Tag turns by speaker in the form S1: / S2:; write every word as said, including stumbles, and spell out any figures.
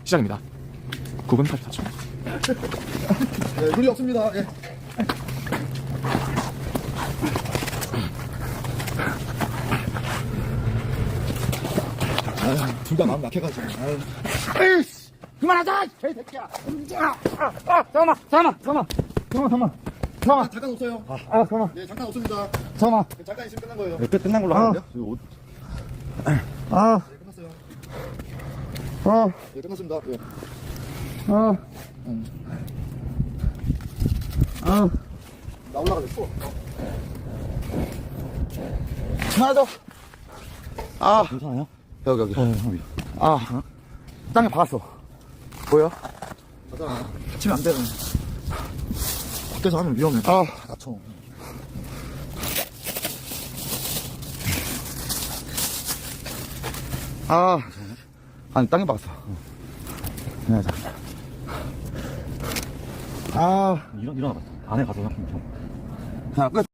S1: 시작입니다. 구 분 팔십사 초.
S2: 네, 물이 없습니다. 예. 둘 다 마음 약해가지고. 아유.
S3: 에이씨! 그만하자! 개새끼야! 아, 아, 아, 잠깐만, 잠깐만, 잠깐만, 잠깐만, 잠깐만,
S2: 아, 잠깐 없어요.
S3: 아, 아, 잠깐만,
S2: 네, 잠깐 없습니다.
S3: 잠깐만.
S2: 잠깐 있으면 끝난 거예요.
S3: 네, 끝, 끝난 걸로
S2: 아.
S3: 하는데요? 저기 옷. 아,
S2: 네, 끝났어요.
S3: 아,
S2: 네, 끝났습니다. 예.
S3: 아, 아.
S2: 나 올라가겠어.
S3: 그만하자. 아,
S1: 괜찮아요?
S3: 여기, 여기.
S1: 어, 형이.
S3: 아, 땅에 박았어. 보여?
S2: 가자. 다치면 안 돼. 밖에서 하면 위험해.
S3: 아,
S2: 다쳐.
S3: 아. 아니, 땅에 박았어. 그만하자. 아,
S1: 일어, 일어나봐. 안에 가서 형.
S3: 그냥 끝.